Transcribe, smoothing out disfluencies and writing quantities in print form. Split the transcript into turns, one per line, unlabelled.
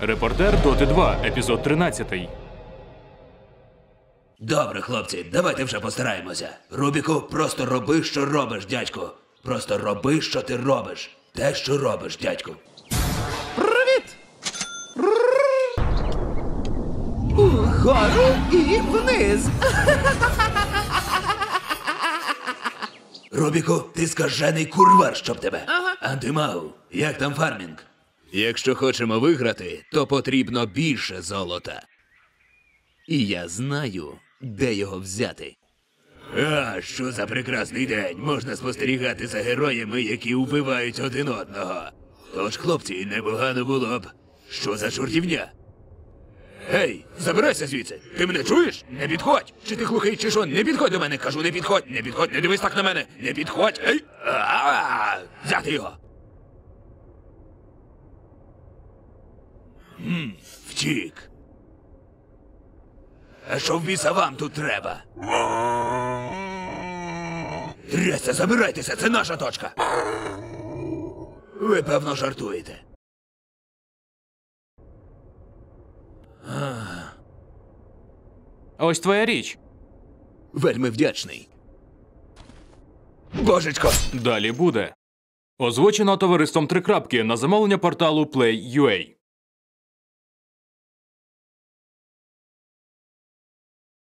Репортер Доти 2, епізод 13.
Добре, хлопці, давайте вже постараємося. Рубіку, просто роби, що робиш, дядьку. Просто роби, що ти робиш. Те, що робиш, дядьку.
Привіт! Угору і вниз.
Рубіку, ти скажений курвар, щоб тебе. Антимау, як там фармінг? Якщо хочемо виграти, то потрібно більше золота. І я знаю, де його взяти. А, що за прекрасний день. Можна спостерігати за героями, які вбивають один одного. Тож, хлопці, непогано було б. Що за чортівня? Гей, забирайся звідси. Ти мене чуєш? Не підходь. Чи ти глухий, чи що? Не підходь до мене. Кажу, не підходь, не підходь, не дивись так на мене. Не підходь. Ей! Взяти його. Втік. А що в біса вам тут треба? Трясся, забирайтеся, це наша точка. Ви, певно, жартуєте.
Ось твоя річ.
Вельми вдячний. Божечко!
Далі буде. Озвучено товариством Три Крапки на замовлення порталу Play.ua.